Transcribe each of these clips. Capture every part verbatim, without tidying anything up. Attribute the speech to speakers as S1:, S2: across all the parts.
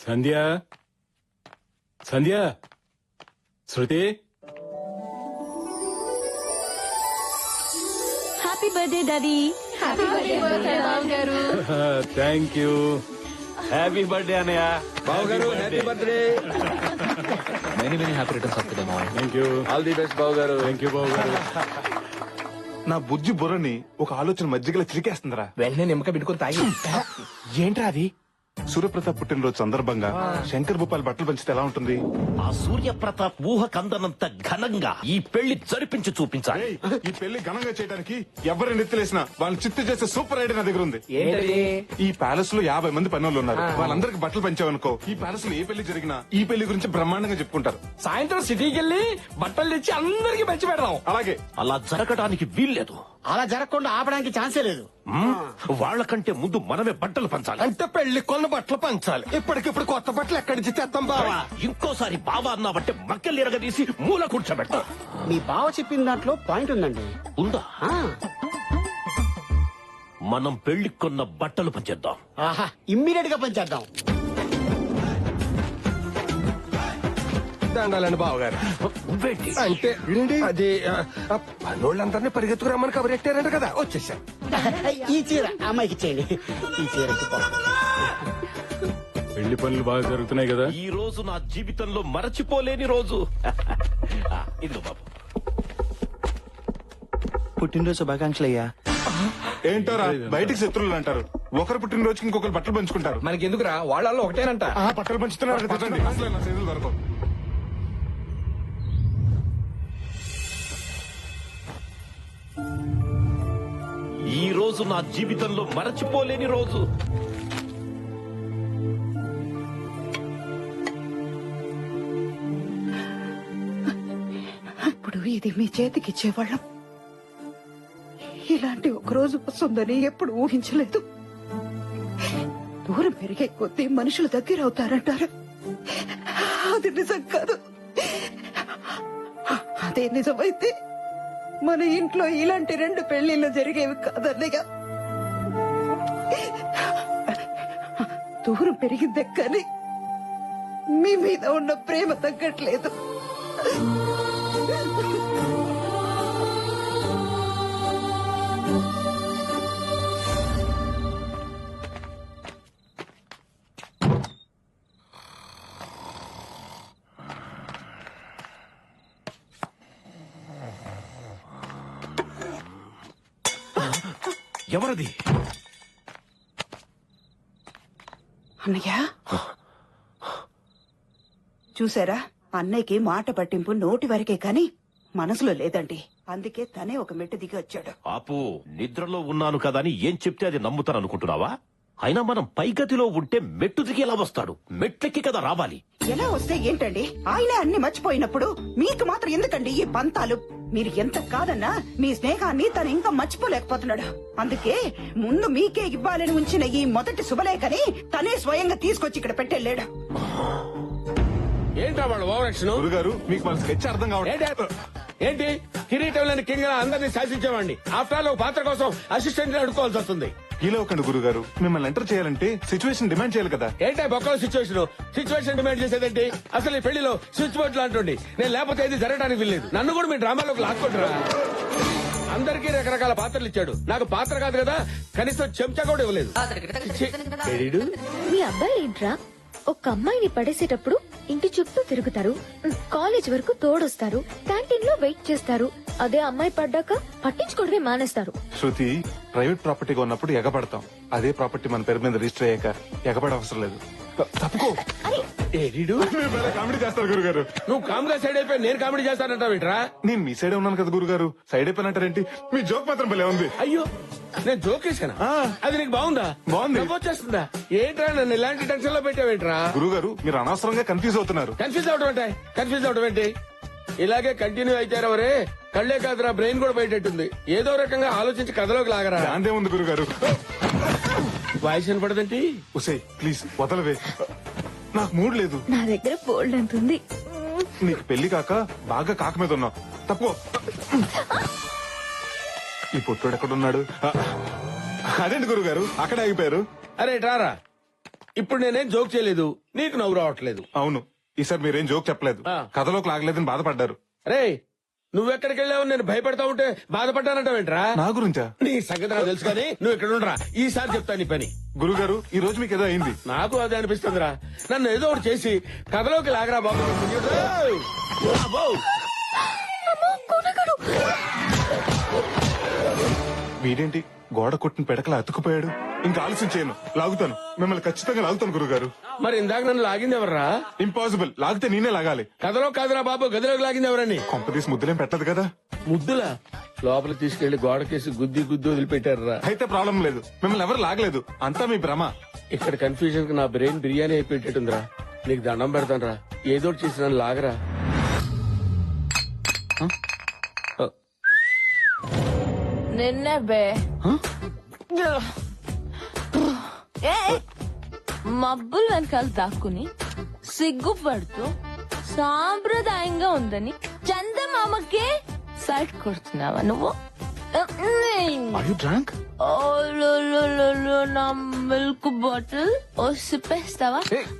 S1: సంధ్య Sandhya Shruti
S2: happy birthday daddy. Happy birthday బాబు గారు.
S1: Thank you.
S3: Happy birthday అన్నయ్య.
S4: బాబు గారు happy birthday.
S5: Many many happy returns of the day మావయ్య.
S1: Thank you.
S4: All the best బాబు గారు.
S1: థ్యాంక్ యూ బాబు గారు.
S6: నా బుజ్జి బుర్రని ఒక ఆలోచన మధ్యగల చిరికేస్తుందిరా.
S4: వెంటనే నిమ్మక పెట్టుకుని తాగి. ఏంట్రా అది?
S6: సూర్యప్రతాప్ పుట్టినరోజు సందర్భంగా శంకర్ భూపాల్ బట్టలు పంచితే ఎలా ఉంటుంది?
S3: ఆ సూర్యప్రతాప్ ఊహ కందనంత ఘనంగా ఈ పెళ్లి జరిపించి చూపించాలి.
S6: ఏయ్, ఈ పెళ్లి ఘనంగా చేయడానికి ఎవరిని నెత్తలేసినా వాళ్ళని చిత్తు చేసే సూపర్ ఐడియా నా దగ్గర ఉంది.
S4: ఏంటది?
S6: ఈ ప్యాలెస్ లో యాభై మంది పనులు ఉన్నారు. వాళ్ళందరికి బట్టలు పంచావనుకో, ఈ ప్యాలెస్ లో ఏ పెళ్లి జరిగినా ఈ పెళ్లి గురించి బ్రహ్మాండంగా చెప్పుకుంటారు.
S4: సాయంత్రం సిటీకి వెళ్ళి బట్టలు తెచ్చి అందరికి పంచి పెడదాం.
S6: అలాగే
S3: అలా జరగడానికి వీల్లేదు.
S7: అలా జరగకుండా ఆపడానికి ఛాన్సే లేదు.
S3: వాళ్ళకంటే ముందు మనమే బట్టలు పంచాలి.
S4: అంటే పెళ్లి కొన్న బట్టలు పంచాలి. ఇప్పటికిప్పుడు కొత్త బట్టలు ఎక్కడి నుంచి తెస్తాం బావా?
S3: ఇంకోసారి బావా అన్నావంటే మక్కలు ఎరగదీసి మూల కూర్చోబెట్టా.
S7: మీ బావ చెప్పిన దాంట్లో పాయింట్ ఉందండి.
S3: ఉందా?
S7: ఆ,
S3: మనం పెళ్లి కొన్న బట్టలు పంచేద్దాం.
S7: ఆహా ఇమ్మీడియట్ గా పంచేద్దాం.
S4: దండాలండి బావగారు.
S3: నువ్వేంటి?
S4: అంటే అది ఆ, పనోళ్ళందరినీ పరిగెత్తుకురమ్మని కబరెట్టారంట కదా, వచ్చేసాం.
S7: ఈ చీర అమ్మాయికి ఇచ్చేయండి. ఈ చీర
S1: పెళ్లి పనులు బాగా జరుగుతున్నాయి కదా.
S3: ఈ రోజు నా జీవితంలో మరచిపోలేని రోజు. ఆ, ఇదిగో బాబు.
S5: పుట్టినరోజు శుభాకాంక్షలు అయ్యా.
S6: ఏంటోరా బయటికి శత్రువులు అంటారు. ఒకరు పుట్టినరోజుకి ఇంకొకరు బట్టలు పంచుకుంటారు.
S4: మనకి ఎందుకురా, వాళ్ళల్లో ఒకటేనంట.
S6: ఆ బట్టలు పంచుతున్నారు. తినండి. అసలు నా చేతులు దొరకవు.
S3: ఈ రోజు నా జీవితంలో మరచిపోలేని రోజు.
S8: ఇప్పుడు ఇది మీ చేతికి ఇచ్చేవాళ్ళం. ఇలాంటి ఒక రోజు వస్తుందని ఎప్పుడు ఊహించలేదు. దూరం పెరిగే కొద్దీ మనుషులు దగ్గర అవుతారంటారు. అది నిజం కాదు. అదే నిజమైతే మన ఇంట్లో ఇలాంటి రెండు పెళ్లిళ్ళు జరిగేవి కాదన్నయ్య. దూరం పెరిగిందే కానీ మీ మీద ఉన్న ప్రేమ తగ్గట్లేదు.
S3: ఎవరది?
S8: అన్నయ్య చూసారా, అన్నయ్యకి మాట పట్టింపు నోటి వరకే కాని మనసులో లేదండి. అందుకే తనే ఒక మెట్టు దిగి వచ్చాడు.
S3: ఆపు. నిద్రలో ఉన్నాను కదా అని ఏం చెప్తే అది నమ్ముతాను అనుకుంటున్నావా? అయినా మనం పైగతిలో ఉంటే మెట్టు దిగి ఎలా వస్తాడు? మెట్లెక్కి కదా రావాలి.
S8: ఎలా వస్తే ఏంటండి? ఆయనే అన్ని మర్చిపోయినప్పుడు మీకు మాత్రం ఎందుకండి ఈ పంతాలు? మీరు ఎంత కాదన్నా మీ స్నేహాన్ని తను ఇంకా మర్చిపోలేకపోతున్నాడు. అందుకే ముందు మీకే ఇవ్వాలని ఉంచిన ఈ మొదటి శుభలేఖని తనే స్వయంగా తీసుకొచ్చి ఇక్కడ పెట్టెళ్ళాడు.
S4: ఏంటా వాళ్ళు ఓవరాక్షన్?
S6: గురుగారు మీకు వాళ్ళ స్కెచ్ అర్థం కావట్లేదు.
S4: ఏంటి కిరీటం లేని కింగ్ అందరినీ శాసించేవాడిని. ఆఫ్టర్ ఆల్ ఒక పాత్ర కోసం అసిస్టెంట్ అడుకోవాల్సి వస్తుంది.
S6: ఇలా ఒకండి గురుగారు, మిమ్మల్ని ఎంటర్ చేయాలంటే సిచ్యువేషన్ డిమాండ్ చేయాలి కదా.
S4: ఏంటా బొక్కల సిచ్యువేషన్? Situation demand చేసేదేంటి? అసలు ఈ పెళ్లిలో స్విచ్ బోర్డు లాంటి నేను లేకపోతే ఏది జరగడానికి వీల్లేదు. నన్ను కూడా మీ డ్రామాలోకి లాక్కుంటారా? అందరికీ రకరకాల పాత్రలు ఇచ్చాడు. నాకు పాత్ర కాదు కదా, కనీసం చెంచా కూడా ఇవ్వలేదు.
S2: మీ అబ్బాయి ఏంట్రా, ఒక అమ్మాయిని పడేసేటప్పుడు ఇంటి చుట్టూ తిరుగుతారు, కాలేజ్ వరకు తోడొస్తారు, క్యాంటీన్ లో వెయిట్ చేస్తారు. అదే అమ్మాయి పడ్డాక పట్టించుకోవడమే మానేస్తారు.
S6: శృతి, ప్రైవేట్ ప్రాపర్టీగా ఉన్నప్పుడు ఎగబడతాం. అదే ప్రాపర్టీ మన పేరు మీద రిజిస్టర్ అయ్యాక ఎగబడ అవసరం లేదు. తప్పుకో. కామెడీ చేస్తారు గురుగారు.
S4: నువ్వు కామ్గా సైడ్ అయిపోయి నేను కామెడీ చేస్తానంటావేంట్రా?
S6: నేను మీ సైడే ఉన్నాను కదా గురుగారు. సైడ్ అయిపోయినట్టారేంటి? మీ జోక్ మాత్రం భలే ఉంది.
S4: అయ్యో, నేను జోకేశానా? అది నీకు బాగుందా?
S6: బాగుంది.
S4: వచ్చేస్తుందా? ఏంట్రా నన్ను ఇలాంటి టెన్షన్ లో పెట్టావేంట్రా?
S6: గురుగారు మీరు అనవసరంగా కన్ఫ్యూజ్ అవుతున్నారు.
S4: కన్ఫ్యూజ్ అవడం ఏంటి? కన్ఫ్యూజ్ అవడం ఏంటి? ఇలాగే కంటిన్యూ అయితారవరే, కళ్లే కాదురా బ్రెయిన్ కూడా బయటెట్టుంది. ఏదో రకంగా ఆలోచించి కథలోకి లాగరా.
S6: దాందే ఉంది గురుగారు.
S4: వాయిస్ వినపడదేంటి?
S6: ఉసే ప్లీజ్ వదలవే, నాకు మూడ్ లేదు.
S2: నా దగ్గర బోల్డ్ అంత ఉంది.
S6: నీకు పెళ్లి కాక బాగా కాక మీద ఉన్నావు. తప్పు. ఈ పుట్టోడు ఎక్కడున్నాడు? అదేంటి గురుగారు అక్కడ ఆగిపోయారు?
S4: అరే ట్రారా, ఇప్పుడు నేనేం జోక్ చేయలేదు నీకు నవ్వు రావట్లేదు
S6: అవును, ఈసారి మీరేం జోక్ చెప్పలేదు,
S4: ఆ.
S6: కథలోకి లాగలేదని బాధపడ్డారు.
S4: రే నువ్వెక్కడికి వెళ్ళావు నేను భయపడతా ఉంటే బాధపడ్డానంటావేంట్రా?
S6: నా గురించా?
S4: నీ సంగతి నాకు తెలుసు కానీ నువ్వు ఇక్కడ ఉండరా, ఈసారి చెప్తా నీ పని.
S6: గురుగారు, ఈ రోజు మీకు ఏదో అయింది.
S4: నాకు అదే అనిపిస్తుందిరా, నన్ను ఏదో ఒకటి చేసి కథలోకి లాగరా బాబు. ఏయ్! అబ్బో!
S6: వీడేంటి గోడ కొట్టిన పెడకలా అతుకుపోయాడు? ఇంకా ఆలస్యం చేయను, లాగుతాను, మిమ్మల్ని ఖచ్చితంగా లాగుతాను గురుగారు.
S4: మరి ఇందాక నన్ను లాగింది ఎవర్రా?
S6: ఇంపాసిబుల్, లాగితే నేనే లాగాలి.
S4: కథలో కాదురా బాబు, గదిలోకి లాగింది ఎవరని?
S6: కొంపదీసి ముద్దులేం పెట్టదు కదా?
S4: ముద్దులా లోపల తీసుకెళ్లి గోడకేసి గుద్ది గుద్ది వదిలిపెట్టారా?
S6: అయితే ప్రాబ్లం లేదు, మిమ్మల్ని ఎవరు లాగలేదు, అంతా మీ భ్రమ.
S4: ఇక్కడ కన్ఫ్యూజన్ కి నా బ్రెయిన్ బిర్యానీ అయిపోయేటట్టుందిరా. నీకు దండం పెడతాను రా, ఏదో ఒకటి చేసి నన్ను లాగరా.
S9: నిన్నే బే ఏ మబ్బులు వెనకాల దాక్కుని సిగ్గుపడుతూ సాంప్రదాయంగా ఉందని చందమామకే సైట్ కొడుతున్నావా నువ్వు? ఓ లో లో లో లో నా మిల్క్ బాటిల్ ఓ సిప్పేస్తావా?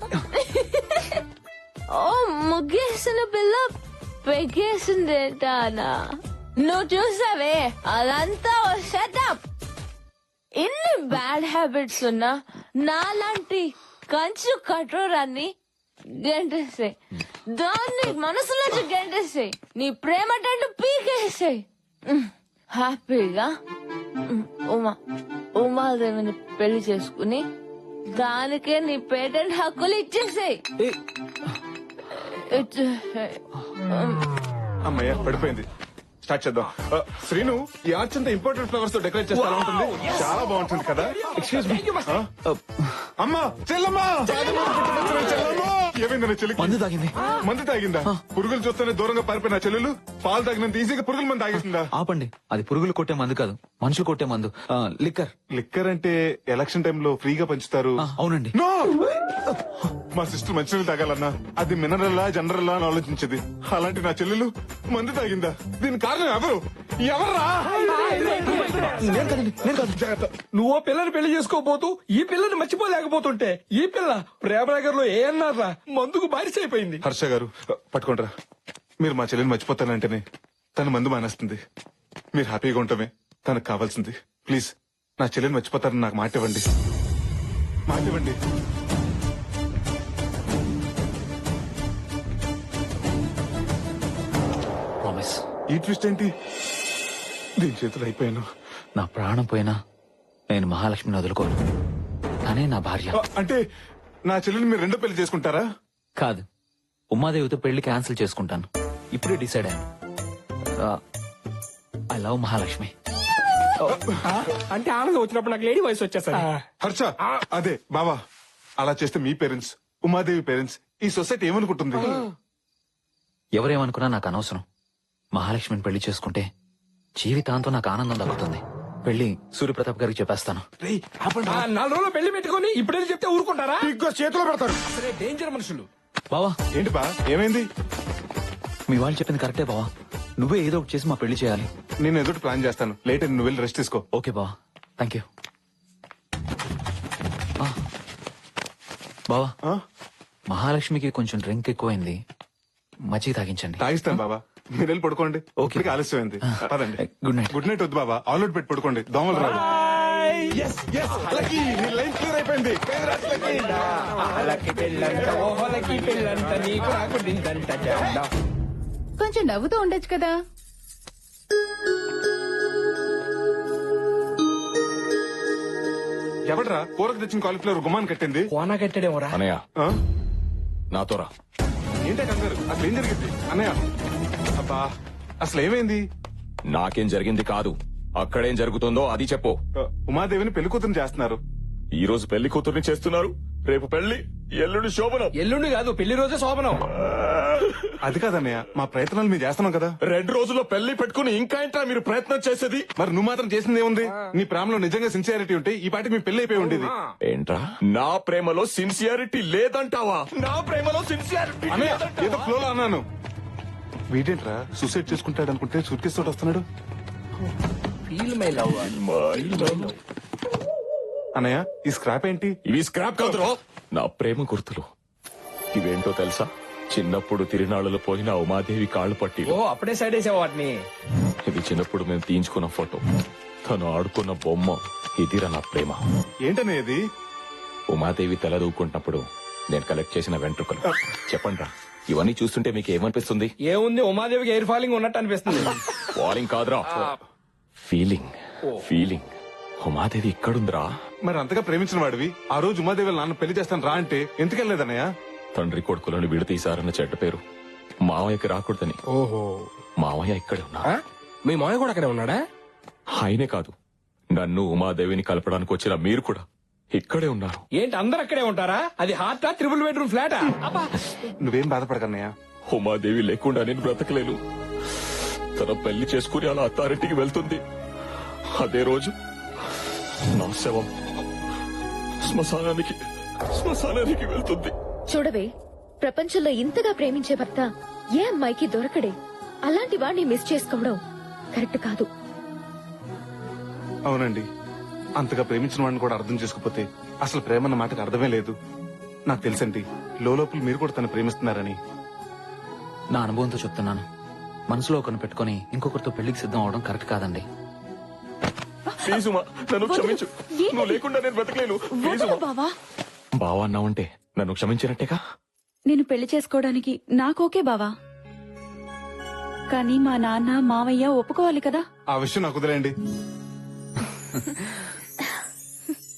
S9: ఓ ముగ్గేసిన పిల్ల పెగేసిందేటానా? నువ్వు చూసావే అదంతా ఓ సెటప్. ఇన్ని బ్యాడ్ హ్యాబిట్స్ ఉన్నా నాలాంటి కంచు కఠోరాన్ని గెంటేసాయి, దాన్ని మనసులోంచి గెంటేసాయి, నీ ప్రేమ టెంటు పీకేసాయి. హ్యాపీగా ఉమా ఉమాదేవిని పెళ్లి చేసుకుని దానికే నీ పేటెంట్ హక్కులు ఇచ్చేసాయి. ఇచ్చేసాయి.
S6: అమ్మయ్య పడిపోయింది. స్టార్ట్ చేద్దాం. ఆ, శ్రీను, ఈ ఆర్చ్ అంతా ఇంపార్టెంట్ ఫ్లవర్స్ తో డెకరేట్ చేస్తే ఎలా ఉంటుంది? చాలా బాగుంటుంది కదా? Excuse me. అమ్మా, చెల్లమ్మా, చెల్లమ్మా! ఏమైంది నా చెల్లికి?
S5: మందు తాగింది.
S6: మందు తాగిందా? పురుగులు చూస్తేనే దూరంగా పారిపోయిన చెల్లెలు పాలు తాగినంత ఈజీగా పురుగుల మంది తాగేసిందా?
S5: ఆపండి, అది పురుగులు కొట్టే మందు కాదు, మనుషులు కొట్టే మందు. ఆ, లిక్కర్.
S6: లిక్కర్ అంటే ఎలక్షన్ టైంలో ఫ్రీగా పంచుతారు.
S5: ఆ, అవునండి.
S6: నో! మా సిస్టర్ మంచినీళ్ళు తాగాలన్నా అది మినరల్లా జనరల్లా అని ఆలోచించేది. అలాంటి నా చెల్లెలు మందు తాగిందా? దీని కారణం ఎవరు? ఎవర్రా?
S5: నేను కాదండి, నేను కాదు.
S6: జాగ్రత్త.
S4: నువ్వు పిల్లని పెళ్లి చేసుకోబోతూ ఈ పిల్లని మర్చిపోలేకపోతుంటే ఈ పిల్ల ప్రేమనగర్ లో ఏ అన్నారా మందుకు బారిస అయిపోయింది.
S6: హర్ష గారు, పట్టుకోండిరా. మీరు మా చెల్లిని మర్చిపోతానంటేనే తన మందు మానేస్తుంది. మీరు హ్యాపీగా ఉండటమే తనకు కావాల్సింది. ప్లీజ్ నా చెల్లిని మర్చిపోతారని నాకు మాట ఇవ్వండి. మాట ఇవ్వండి.
S5: ప్రామిస్.
S6: ఈ ట్విస్ట్ ఏంటి? దీని చేతులు అయిపోయాను.
S5: నా ప్రాణం పోయినా నేను మహాలక్ష్మిని వదులుకోను. తనే నా భార్య.
S6: ఆ, అంటే నా చెల్లిని మీరు రెండో పెళ్లి చేసుకుంటారా?
S5: కాదు, ఉమాదేవితో పెళ్లి క్యాన్సిల్ చేసుకుంటాను. ఇప్పుడే డిసైడ్ అయ్యాను. I love Mahalakshmi.
S4: అంటే ఆనందం వచ్చినప్పుడు నాకు లేడీ వయసు వచ్చేసరి.
S6: హర్ష, అదే బావా, అలా చేస్తే మీ పేరెంట్స్, ఉమాదేవి పేరెంట్స్, ఈ సొసైటీ ఏమనుకుంటుంది?
S5: ఎవరేమనుకున్నా నాకు అనవసరం. మహాలక్ష్మిని పెళ్లి చేసుకుంటే జీవితాంతం నాకు ఆనందం దక్కుతుంది. పెళ్లి సూర్యప్రతాప్ గారికి చెప్పేస్తాను.
S4: నాలుగు రోజులు పెళ్లి పెట్టుకుని ఇప్పుడే చెప్తే ఊరుకుంటారా?
S6: ఇంకో చేతిలో పెడతారు.
S4: అసలే డేంజర్ మనుషులు.
S5: బావా,
S6: ఏంటి బా, ఏమైంది?
S5: మీ వాళ్ళు చెప్పింది కరెక్టే బావా. నువ్వే ఏదో ఒకటి చేసి మా పెళ్లి చేయాలి.
S6: నేను ఎదుటి ప్లాన్ చేస్తాను. లేట్ అని నువ్వు వెళ్ళి రెస్ట్ తీసుకో.
S5: ఓకే బావా, థ్యాంక్ యూ. బావా,
S6: ఆ?
S5: మహాలక్ష్మికి కొంచెం డ్రింక్ ఎక్కువైంది, మజ్జిగ తాగించండి.
S6: తాగిస్తాను బాబా, మీరు వెళ్ళి పడుకోండి.
S5: ఓకే.
S6: ఇప్పటికే ఆలస్యమైంది. పదండి.
S5: Good night.
S6: గుడ్ నైట్ వద్దు బాబా, ఆల్అౌట్ పెట్టి పడుకోండి, దోమలు రాదు. లక్కీ, నీ లైన్ క్లియర్ అయిపోయింది.
S8: కొంచెం నవ్వుతూ ఉండొచ్చు కదా.
S6: ఎవడరా కూరకు తెచ్చిన కాలీఫ్లవర్ గుమ్మాన్ని కట్టింది?
S4: కోనా కట్టాడేమోరా.
S3: అనయ్య
S6: ఆ?
S3: నాతోరా.
S6: ఏంటే కంగారు? అసలు ఏం జరిగింది అన్నయ్య? అబ్బా, అసలు ఏమైంది?
S3: నాకేం జరిగింది కాదు, అక్కడేం జరుగుతుందో అది చెప్పు.
S6: ఆ, ఉమాదేవిని పెళ్లి కూతురు చేస్తున్నారు.
S3: ఈ రోజు పెళ్లి కూతుర్ని చేస్తున్నారు, రేపు పెళ్లి, ఎల్లుండి శోభనం.
S4: ఎల్లుండి కాదు, పెళ్లి రోజే శోభనం.
S6: అది కాదన్నయ్య, మా ప్రయత్నాలు మేము చేస్తున్నాం కదా.
S3: రెండు రోజుల్లో పెళ్లి పెట్టుకుని ఇంకా ఏంట్రా మీరు ప్రయత్నం చేసేది?
S6: మరి నువ్వు మాత్రం చేసింది ఏముంది? నీ ప్రేమలో నిజంగా సిన్సియారిటీ ఉంటే ఈ పాటికి మీ పెళ్లి అయిపోయి ఉండేది.
S3: ఏంట్రా, నా ప్రేమలో సిన్సియారిటీ లేదంటావా? నా ప్రేమలో సిన్సియారిటీ
S6: అన్నయ్య, ఏదో ఫ్లోలో అన్నాను. వీడేంట్రా సూసైడ్ చేసుకుంటాడు అనుకుంటే సూట్ కేసు తోటి వస్తున్నాడు. అన్నయ్య, ఈ స్క్రాప్ ఏంటి?
S3: ఇవి స్క్రాప్ కాదురో,
S10: నా ప్రేమ గుర్తులు. ఇవేంటో తెలుసా? చిన్నప్పుడు తిరునాళ్ళలో పోయిన ఉమాదేవి కాళ్ళు పట్టి.
S4: ఓ అప్పుడే సైడ్ వేసావు వాటిని.
S10: ఇది చిన్నప్పుడు మేము తీయించుకున్న ఫోటో. తను ఆడుకున్న బొమ్మ. ఇదిరా నా ప్రేమ.
S6: ఏంటనే ఇది?
S10: ఉమాదేవి తల దూకుంటున్నప్పుడు నేను కలెక్ట్ చేసిన వెంట్రుకలు. చెప్పండి రా, ఇవన్నీ చూస్తుంటే మీకు ఏమనిపిస్తుంది?
S4: ఏముంది, ఉమాదేవికి ఎయిర్ ఫాలింగ్ ఉన్నట్టు అనిపిస్తుంది.
S10: వారింగ్ కాదురా, ఫీలింగ్. ఫీలింగ్. ఉమాదేవి ఇక్కడుందిరా.
S6: మరి అంతగా ప్రేమించిన వాడివి ఆ రోజు ఉమాదేవి వాళ్ళ నాన్న పెళ్లి చేస్తాను రా అంటే ఎందుకెళ్ళలేదన్నయ్య?
S10: తండ్రి కొడుకులను విడతీశారన్న చెడ్డ పేరు మావయ్యకి రాకూడదని.
S4: ఓహో,
S10: మావయ్య ఇక్కడే ఉన్నా.
S4: మీ మాయ కూడా అక్కడే ఉన్నాడా?
S10: ఆయనే కాదు, నన్ను ఉమాదేవిని కలపడానికి వచ్చిన మీరు కూడా ఇక్కడే ఉన్నారు.
S4: ఏంటి అందరు అక్కడే ఉంటారా? అది హార్టా, త్రిబుల్ బెడ్రూమ్ ఫ్లాటా?
S6: నువ్వేం బాధపడకన్నయ్య.
S10: ఉమాదేవి లేకుండా నేను బ్రతకలేను. తన పెళ్లి చేసుకుని అలా అత్తారింటికి వెళ్తుంది. అదే రోజు నా శవం శ్మశానానికి శ్మశానానికి వెళ్తుంది.
S2: చూడవే, ప్రపంచంలో ఇంతగా ప్రేమించే భర్త ఏ అమ్మాయికి దొరకడే. అలాంటి వాడిని మిస్ చేసుకోవడం కరెక్ట్ కాదు.
S6: అవునండి, అంతగా ప్రేమించిన వాడిని కూడా అర్థం చేసుకోపోతే అసలు ప్రేమ అన్న మాటకు అర్థమే లేదు. నాకు తెలుసండి, లోపల మీరు కూడా తను ప్రేమిస్తున్నారని.
S5: నా అనుభవంతో చెప్తున్నాను. మనసులో ఒకరిని పెట్టుకుని ఇంకొకరితో పెళ్లికి సిద్ధం అవడం కరెక్ట్ కాదండి.
S10: ప్లీజ్ ఉమా, నన్ను క్షమించు. నువ్వు లేకుండా నేను బ్రతకలేను. ప్లీజ్ ఉమా.
S9: బావా
S10: బావా అన్నావంటే నన్ను క్షమించినట్టేగా.
S11: నేను పెళ్లి చేసుకోవడానికి నాకోకే బావా, కానీ మా నాన్న మావయ్య ఒప్పుకోవాలి కదా.
S6: ఆ విషయం నాకు వదిలేండి.